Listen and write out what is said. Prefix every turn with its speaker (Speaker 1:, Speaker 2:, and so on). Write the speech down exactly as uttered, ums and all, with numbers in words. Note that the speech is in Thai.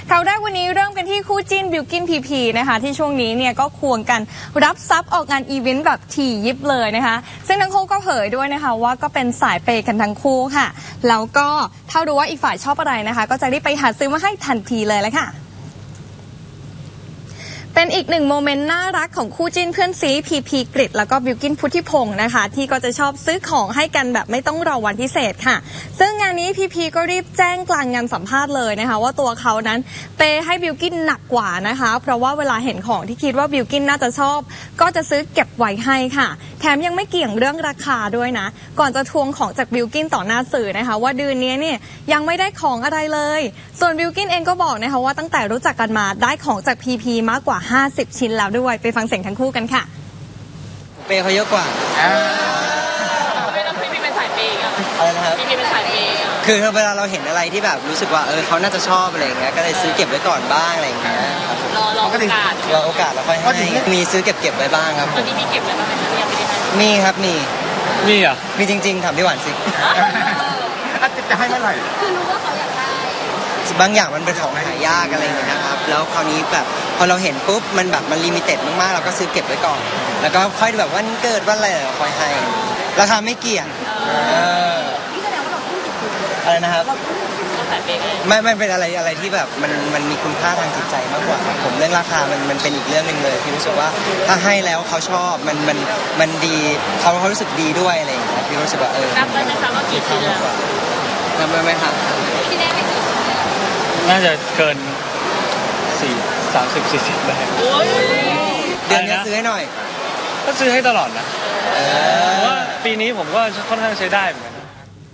Speaker 1: ข่าวแรกวันนี้เริ่มกันที่คู่จิ้นบิลกิ้นพีพีนะคะที่ช่วงนี้เนี่ยก็ควงกันรับทรัพย์ออกงานอีเวนต์แบบถี่ยิบเลยนะคะซึ่งทั้งคู่ก็เผยด้วยนะคะว่าก็เป็นสายเปย์กันทั้งคู่ค่ะแล้วก็ถ้ารู้ว่าอีกฝ่ายชอบอะไรนะคะก็จะรีบไปหาซื้อมาให้ทันทีเลยละค่ะเป็นอีกหนึ่งโมเมนต์น่ารักของคู่จิ้นเพื่อนซีพีพีกฤษแล้วก็บิลกิ้นพุทธิพงศ์นะคะที่ก็จะชอบซื้อของให้กันแบบไม่ต้องรอวันพิเศษค่ะซึ่งงานนี้พีพีก็รีบแจ้งกลางงานสัมภาษณ์เลยนะคะว่าตัวเขานั้นเปย์ให้บิลกิ้นหนักกว่านะคะเพราะว่าเวลาเห็นของที่คิดว่าบิลกิ้นน่าจะชอบก็จะซื้อเก็บไว้ให้ค่ะแถมยังไม่เกี่ยงเรื่องราคาด้วยนะก่อนจะทวงของจากบิลกิ้นต่อหน้าสื่อนะคะว่าเดือนนี้เนี่ยยังไม่ได้ของอะไรเลยส่วนบิลกิ้นเองก็บอกนะคะว่าตั้งแต่รู้จักกันมาได้ของจากพีพีมากกว่าห้าสิบชิ้นแล้วด้วยไปฟังเสียงทั้งคู่กันค่ะ
Speaker 2: เปย์เขาเยอะกว่า
Speaker 3: ไม่ต้องพี่พีเป็นสายเปย์อ่ะ
Speaker 2: อะไรนะครับ
Speaker 3: พี่พีเป็นสายเปย์
Speaker 2: คือเวลาเราเห็นอะไรที่แบบรู้สึกว่าเออเขาน่าจะชอบอะไรอย่างเงี้ยก็เลยซื้อเก็บไว้ก่อนบ้างอะไรอย่างเงี้ย
Speaker 3: รอรอโอกาส
Speaker 2: รอโอกาสแล้วค่อยให้มีซื้อเก็บเก็บไว้บ้างครับ
Speaker 3: ตอนนี้มีเก็บไว้บ้างไหมคะยังไม่ได้ให้
Speaker 2: มีครับมี
Speaker 4: มีอ่ะ
Speaker 2: มีจริงๆถามพี่หวานสิ
Speaker 4: จะให้เมื่อไหร่
Speaker 3: คือรู้ว่าเขาอยากได้
Speaker 2: บางอย่างมันเป็นของหายากอะไรอย่างเงี้ยนะครับแล้วคราวนี้แบบพอเราเห็นปุ๊บมันแบบมันลิมิเต็ดมากๆเราก็ซื้อเก็บไว้ก่อนแล้วก็ค่อยแบบวันเกิดวันอะไรเราค่อยให้ราคาไม่เกี่ยง
Speaker 3: นี่แสดงว่าเราทุ่มสุดๆ
Speaker 2: อะไรนะครับ
Speaker 3: เราสายเปย์เลย
Speaker 2: ไม่ไม่เป็นอะไรอะไรที่แบบมันมันมีคุณค่าทางจิตใจมากกว่าผมเรื่องราคามันมันเป็นอีกเรื่องนึงเลยที่รู้สึกว่าถ้าให้แล้วเขาชอบมันมันมันดีเขาเขารู้สึกดีด้วยอะไรอย่างเงี้ยที่รู้สึกว่าเออ
Speaker 3: นับได้ไหมคะว่ากี่ชิ้นแล้ว
Speaker 2: นับได้ไหมครับ
Speaker 3: ที่ได้ไปกี่ชิ้น
Speaker 4: น่าจะเกินสี่สามสิบสี่สิบได้
Speaker 2: เดือนนี้ซื้อให้หน่อย
Speaker 4: ก็ซื้อให้ตลอดนะเพราะว่าปีนี้ผมก็ค่อนข้างใช้ได้เหมือนกัน